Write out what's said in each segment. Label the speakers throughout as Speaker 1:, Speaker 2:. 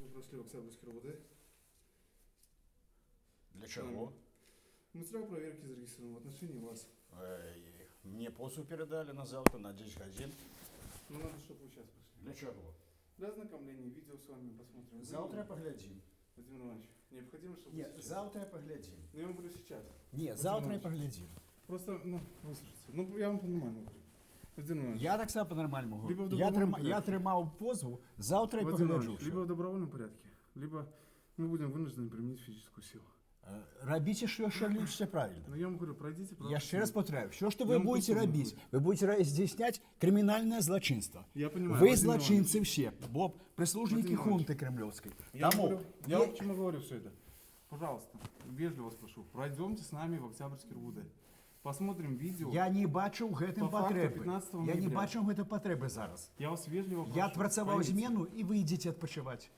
Speaker 1: прошли в Октябрьский РУВД.
Speaker 2: Для чего?
Speaker 1: Материал проверки зарегистрирован в отношении вас.
Speaker 2: Мне позу передали на завтра, на 10 годин.
Speaker 1: Ну надо, чтобы вы сейчас пошли.
Speaker 2: Для чего?
Speaker 1: Для ознакомления, видео с вами посмотрим.
Speaker 2: Завтра поглядим.
Speaker 1: Владимир Иванович, необходимо, чтобы
Speaker 2: Нет,
Speaker 1: вы сейчас...
Speaker 2: завтра поглядим.
Speaker 1: Ну я вам говорю сейчас.
Speaker 2: Нет,
Speaker 1: Владимир
Speaker 2: завтра
Speaker 1: Иванович,
Speaker 2: поглядим.
Speaker 1: Просто, выслушайте. Ну я вам по-нормальному говорю. Владимир Иванович,
Speaker 2: Я так само по-нормальному
Speaker 1: Либо в
Speaker 2: говорю.
Speaker 1: добровольном порядке.
Speaker 2: Я тримав позву, завтра
Speaker 1: Владимир
Speaker 2: погляджу.
Speaker 1: Иванович, либо в добровольном порядке, либо мы будем вынуждены применить физическую силу.
Speaker 2: Робите, что лучше правильно.
Speaker 1: Но я вам говорю, пройдите, пожалуйста.
Speaker 2: Я ще раз повторяю, все, что
Speaker 1: Я
Speaker 2: вы
Speaker 1: вам
Speaker 2: будете
Speaker 1: просто
Speaker 2: робить,
Speaker 1: говорю.
Speaker 2: вы будете здійснять кримінальне злочинство.
Speaker 1: Я понимаю,
Speaker 2: Ви
Speaker 1: Владимир
Speaker 2: злочинці всі, бо прислужники
Speaker 1: Владимир
Speaker 2: хунти кремлевської.
Speaker 1: Я
Speaker 2: Тому
Speaker 1: вам почему говорю все это. Пожалуйста, вежливо вас прошу, пройдемте с нами в Октябрьский РУВД. Посмотрим видео.
Speaker 2: я не бачу в гэтым
Speaker 1: По факту
Speaker 2: потреби.
Speaker 1: 15
Speaker 2: Я не
Speaker 1: ноября.
Speaker 2: бачу в гэтым потреби зараз.
Speaker 1: Я вас вежливо прошу.
Speaker 2: Я отпрацовал
Speaker 1: поедете.
Speaker 2: змену, и вы идите отпочивать.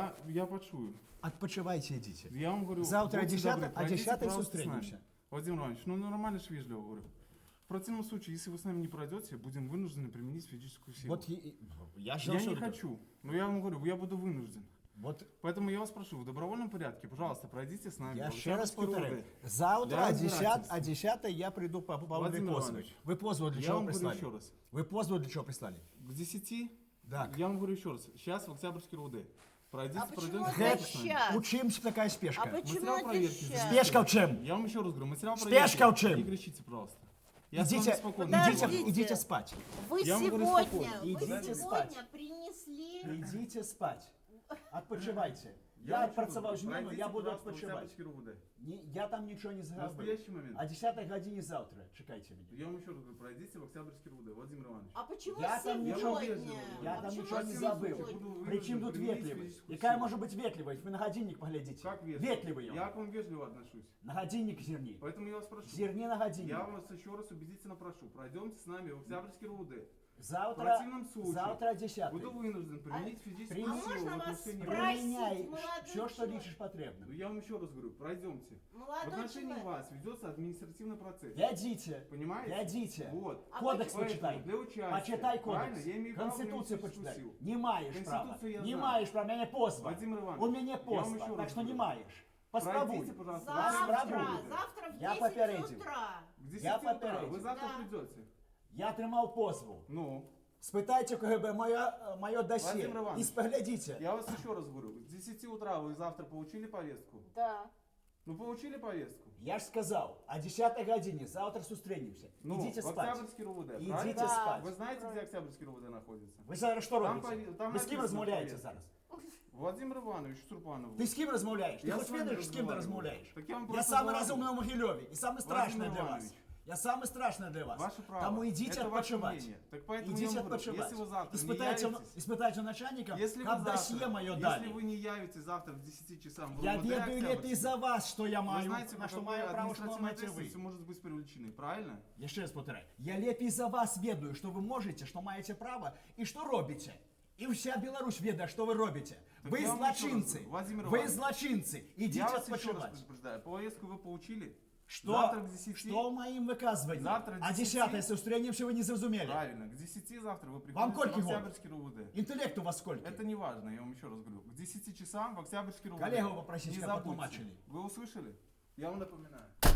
Speaker 1: Я почую.
Speaker 2: Отпочивайте, идите.
Speaker 1: Я вам говорю,
Speaker 2: Завтра
Speaker 1: будьте добры,
Speaker 2: о
Speaker 1: пройдите,
Speaker 2: 10
Speaker 1: пожалуйста, с
Speaker 2: встретимся.
Speaker 1: нами. Владимир Иванович, ну нормально же вежливо говорю. В противном случае, если вы с нами не пройдете, будем вынуждены применить физическую силу.
Speaker 2: Вот я
Speaker 1: Я не хочу, но я вам говорю, я буду вынужден.
Speaker 2: Вот
Speaker 1: Поэтому я вас прошу, в добровольном порядке, пожалуйста, пройдите с нами.
Speaker 2: я
Speaker 1: в
Speaker 2: ще раз
Speaker 1: Октябрьский
Speaker 2: повторяю.
Speaker 1: РУВД.
Speaker 2: Завтра
Speaker 1: Для
Speaker 2: о 10,
Speaker 1: разбирательства.
Speaker 2: о 10 я приду по поводу
Speaker 1: Владимир
Speaker 2: позова.
Speaker 1: Иванович,
Speaker 2: Вы позову для
Speaker 1: Я
Speaker 2: чего
Speaker 1: вам говорю
Speaker 2: прислали?
Speaker 1: еще раз.
Speaker 2: Вы позову для чего прислали?
Speaker 1: К 10,
Speaker 2: Так.
Speaker 1: я вам говорю еще раз, сейчас в Октябрьский РУВД. Пройдите,
Speaker 3: А почему
Speaker 1: пройдемте
Speaker 3: это
Speaker 1: с нами.
Speaker 3: щас?
Speaker 2: У чим ж такая спешка?
Speaker 3: А почему
Speaker 1: Материал
Speaker 3: это
Speaker 1: проверки.
Speaker 3: сейчас?
Speaker 2: Спешка в чем?
Speaker 1: Я вам еще раз говорю, материал
Speaker 2: Спешка
Speaker 1: проверки.
Speaker 2: в чем?
Speaker 1: Не кричите, пожалуйста. Я с вами
Speaker 2: Идите,
Speaker 1: спокойно
Speaker 3: Подождите.
Speaker 1: разговариваю.
Speaker 2: идите спать.
Speaker 3: Вы
Speaker 1: Я вам говорю
Speaker 3: сегодня,
Speaker 1: спокойно.
Speaker 3: вы
Speaker 2: Идите
Speaker 3: сегодня
Speaker 2: спать.
Speaker 3: принесли...
Speaker 2: Идите спать. Отпочивайте.
Speaker 1: Я
Speaker 2: Я
Speaker 1: вам
Speaker 2: отпрацовал
Speaker 1: еще говорю,
Speaker 2: змену, я
Speaker 1: пройдите,
Speaker 2: буду
Speaker 1: пожалуйста, в
Speaker 2: отпочивать.
Speaker 1: Октябрьский РУВД.
Speaker 2: Я там ничего не
Speaker 1: В
Speaker 2: заговорил.
Speaker 1: настоящий момент.
Speaker 2: О 10 године завтра. Чекайте меня.
Speaker 1: Я вам еще раз говорю, пройдите в Октябрьский РУВД, Владимир Иванович.
Speaker 3: А почему
Speaker 2: Я там
Speaker 3: сегодня?
Speaker 2: ничего-
Speaker 1: Я
Speaker 2: Я там
Speaker 3: почему
Speaker 2: ничего не
Speaker 3: сегодня?
Speaker 2: забыл.
Speaker 1: Буду
Speaker 2: Причем
Speaker 1: вынужден
Speaker 2: тут
Speaker 1: применить
Speaker 2: ветливый?
Speaker 1: физическую
Speaker 2: Какая
Speaker 1: силу.
Speaker 2: может быть ветливость? Вы на годинник поглядите.
Speaker 1: Как вежливо?
Speaker 2: Ветливый он.
Speaker 1: Я к вам вежливо отношусь.
Speaker 2: На годинник зерни.
Speaker 1: Поэтому я вас прошу.
Speaker 2: Зерни на годинник.
Speaker 1: Я вас еще раз убедительно прошу. Пройдемте с нами в Октябрьский РУВД. В
Speaker 2: Завтра,
Speaker 1: противном случае
Speaker 2: завтра о 10.
Speaker 1: буду вынужден применить физическую
Speaker 2: А
Speaker 1: силу
Speaker 3: можно
Speaker 1: в
Speaker 3: вас
Speaker 1: отношении
Speaker 3: спросить?
Speaker 2: Применяй
Speaker 3: молодой
Speaker 2: все, что
Speaker 3: человек.
Speaker 2: лишишь потребным.
Speaker 1: Ну, я вам еще раз говорю, пройдемте. В
Speaker 3: Молодой
Speaker 1: отношении
Speaker 3: человек.
Speaker 1: вас ведется административный процесс.
Speaker 2: Глядите.
Speaker 1: Понимаете?
Speaker 2: Глядите.
Speaker 1: Вот.
Speaker 3: А
Speaker 2: Кодекс
Speaker 1: Поэтому
Speaker 2: почитай.
Speaker 1: для участия.
Speaker 2: Почитай
Speaker 1: Правильно?
Speaker 2: кодекс.
Speaker 1: Я имею право
Speaker 2: Конституцию
Speaker 1: применить
Speaker 2: почитай.
Speaker 1: физическую силу.
Speaker 2: Не маешь права.
Speaker 1: Конституцию я
Speaker 2: Не
Speaker 1: знаю.
Speaker 2: маешь права. Меня позва.
Speaker 1: Владимир Иванович,
Speaker 2: У меня
Speaker 1: я вам
Speaker 2: позва.
Speaker 1: еще
Speaker 2: Так
Speaker 1: раз
Speaker 2: что не
Speaker 1: говорю.
Speaker 2: маешь. Поспробуй.
Speaker 1: Пройдите, пожалуйста,
Speaker 3: Завтра,
Speaker 2: Попробуй.
Speaker 3: завтра в
Speaker 2: Я
Speaker 3: 10
Speaker 2: попередил.
Speaker 3: утра.
Speaker 1: К 10
Speaker 2: Я
Speaker 1: утра.
Speaker 2: попередил.
Speaker 1: Вы завтра
Speaker 3: Да.
Speaker 1: придете.
Speaker 2: Я тримав позву.
Speaker 1: Ну,
Speaker 2: Спитайте КГБ моє досье
Speaker 1: Владимир Иванович,
Speaker 2: и споглядите.
Speaker 1: я вас еще раз говорю. К 10 утра вы завтра получили повестку?
Speaker 3: Да.
Speaker 1: Ну, получили повестку?
Speaker 2: Я ж сказал, о 10 године завтра зустрінемся.
Speaker 1: Ну,
Speaker 2: Идите
Speaker 1: в
Speaker 2: спать.
Speaker 1: Октябрьский РУВД,
Speaker 2: Идите
Speaker 1: правильно?
Speaker 2: спать.
Speaker 1: Вы знаете, где Октябрьский РУВД находится?
Speaker 2: Ви зараз що
Speaker 1: Там
Speaker 2: робите?
Speaker 1: там
Speaker 2: Ви з ким
Speaker 1: написано
Speaker 2: розмовляєте
Speaker 1: повестка.
Speaker 2: зараз?
Speaker 1: Владимир Иванович Сурпанов.
Speaker 2: Ти з ким розмовляєш? Ти
Speaker 1: Я
Speaker 2: хоч
Speaker 1: з вами
Speaker 2: видиш, з ким ти
Speaker 1: розмовляю.
Speaker 2: розмовляєш?
Speaker 1: Так я вам
Speaker 2: Я
Speaker 1: просто
Speaker 2: самый
Speaker 1: говорю.
Speaker 2: разумный в Могилеве и самый страшный
Speaker 1: Владимир
Speaker 2: для вас.
Speaker 1: Иванович.
Speaker 2: Я самый страшный для вас.
Speaker 1: Ваше право.
Speaker 2: Тому идите
Speaker 1: Это ваше
Speaker 2: отпочивать.
Speaker 1: мнение. Так поэтому я
Speaker 2: Идите
Speaker 1: вам говорю,
Speaker 2: отпочивать.
Speaker 1: если вы завтра не
Speaker 2: Испытайте,
Speaker 1: явитесь-
Speaker 2: испытайте у начальника,
Speaker 1: Если
Speaker 2: как
Speaker 1: вы
Speaker 2: досье
Speaker 1: завтра,
Speaker 2: мое
Speaker 1: если
Speaker 2: дали.
Speaker 1: вы не явитесь завтра в 10 часам в
Speaker 2: Я
Speaker 1: РУВД
Speaker 2: ведаю лепей
Speaker 1: Октябрьский,
Speaker 2: за вас, что я
Speaker 1: вы
Speaker 2: маю,
Speaker 1: знаете,
Speaker 2: на что
Speaker 1: какой
Speaker 2: маю право, что
Speaker 1: административной
Speaker 2: маете вы.
Speaker 1: ответственностью может быть привлечены, правильно?
Speaker 2: Я ще раз повторяю. Я лепей за вас ведаю, что вы можете, что маете право и что робите. И вся Беларусь ведает, что вы робите.
Speaker 1: Так
Speaker 2: Вы
Speaker 1: я вам еще раз
Speaker 2: злочинцы.
Speaker 1: говорю, Владимир
Speaker 2: Вы
Speaker 1: Иванович,
Speaker 2: злочинцы. Идите
Speaker 1: Я вас еще раз
Speaker 2: отпочивать.
Speaker 1: предупреждаю. Повестку вы получили?
Speaker 2: Что,
Speaker 1: Завтра к 10.
Speaker 2: что моим выказыванием?
Speaker 1: Завтра к
Speaker 2: А
Speaker 1: 10.
Speaker 2: 10 сустренимся вы не зразумели.
Speaker 1: Правильно. К 10 завтра вы
Speaker 2: Вам
Speaker 1: приходите в
Speaker 2: сколько год?
Speaker 1: Октябрьский РУВД.
Speaker 2: Интеллект у вас сколько?
Speaker 1: Это не важно, я вам еще раз говорю. К 10 часам в Октябрьский РУВД.
Speaker 2: Коллегу попросите,
Speaker 1: Не
Speaker 2: как
Speaker 1: забудьте.
Speaker 2: потолмачили.
Speaker 1: Вы услышали? Я вам напоминаю.